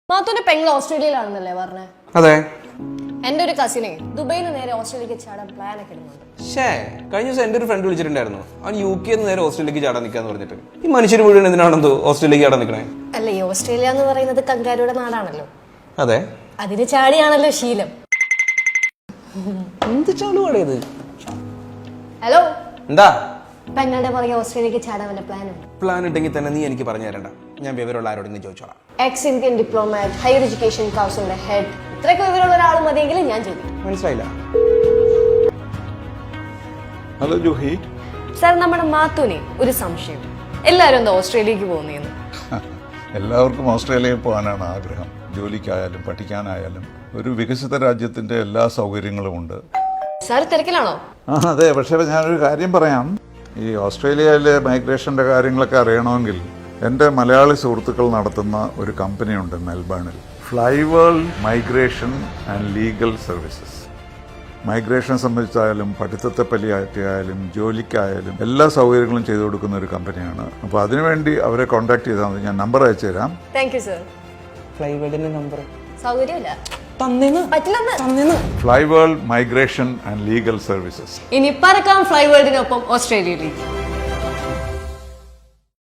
മാത്തൂന്റെ പെങ്ങൾ ഓസ്ട്രേലിയയിലാണെന്നല്ലേ പറഞ്ഞേ? അതെ. എന്റെ ഒരു കസിനെ ദുബൈയിൽ നിന്ന് നേരെ ഓസ്ട്രേലിയക്ക് ചാടാൻ പ്ലാൻ ഒക്കെ ഇടുന്നുണ്ട്. കഴിഞ്ഞ ദിവസം എന്റെ ഒരു ഫ്രണ്ട് വിളിച്ചിട്ടുണ്ടായിരുന്നു. അവൻ UK നേരെ ഓസ്ട്രേലിയക്ക് ചാടാൻ നിൽക്കാന്ന് പറഞ്ഞിട്ട്. ഈ മനുഷ്യർ മുഴുവൻ എന്തിനാണെന്തോ ഓസ്ട്രേലിയക്ക് ചാടാൻ നിൽക്കണേ? അല്ല, ഈ ഓസ്ട്രേലിയ എന്ന് പറയുന്നത് കങ്കാരുടെ നാടാണല്ലോ. അതെ, അതിന് ചാടിയാണല്ലോ ശീലം. എന്ത് ചാടുവാടേത്? ഹലോ, എന്താ പെങ്ങളുടെ പുറകെ ഓസ്ട്രേലിയക്ക് ചാടാൻ വല്ല പ്ലാൻ ഉണ്ട്? പ്ലാൻ ഉണ്ടെങ്കിൽ തന്നെ നീ എനിക്ക് പറഞ്ഞു തരണ്ട. ഞാൻ വിവരമുള്ള ആരോടെങ്കിലും ചോദിച്ചോളാം. Ex Indian diplomat, higher education കൗൺസിലിന്റെ ഹെഡ്, ഇത്രയൊക്കെ വിവരമുള്ള ഒരാൾ മതിയെങ്കിൽ ഞാൻ ചോദിക്കും. മനസ്സിലായില്ല? ഹലോ ജൂഹി. സാർ, നമ്മുടെ മാത്തൂനെ ഒരു സംശയം, എല്ലാവരും എന്താ ഓസ്ട്രേലിയക്ക് പോകുന്നതെന്ന്? എല്ലാവർക്കും ഓസ്ട്രേലിയയിൽ പോകാനാണ് ആഗ്രഹം. ജോലിക്കായാലും പഠിക്കാനായാലും ഒരു വികസിത രാജ്യത്തിന്റെ എല്ലാ സൗകര്യങ്ങളും ഉണ്ട്. സാർ തിരക്കിലാണോ? അതെ, പക്ഷേ ഞാനൊരു കാര്യം പറയാം. ഈ ഓസ്ട്രേലിയയിലെ മൈഗ്രേഷന്റെ കാര്യങ്ങളൊക്കെ അറിയണമെങ്കിൽ എൻ്റെ മലയാളി സുഹൃത്തുക്കൾ നടത്തുന്ന ഒരു കമ്പനിയുണ്ട് മെൽബണിൽ, Flyworld migration and legal services. Migration സംബന്ധിച്ചായാലും പഠിത്തത്തെ പറ്റിയായാലും ജോലിക്കായാലും എല്ലാ സൗകര്യങ്ങളും ചെയ്തു കൊടുക്കുന്ന ഒരു കമ്പനിയാണ്. അപ്പോൾ അതിനുവേണ്ടി അവരെ കോൺടാക്ട് ചെയ്താൽ മതി. ഞാൻ നമ്പർ അയച്ചു തരാം. Thank you sir. ഫ്ലൈവേഡിന്റെ നമ്പർ സൗകര്യമില്ല, പറ്റില്ലെന്ന്. Flyworld migration and legal services. ഇനി പറക്കാം ഫ്ലൈവേൾഡിനൊപ്പം ഓസ്ട്രേലിയയിലേക്ക്.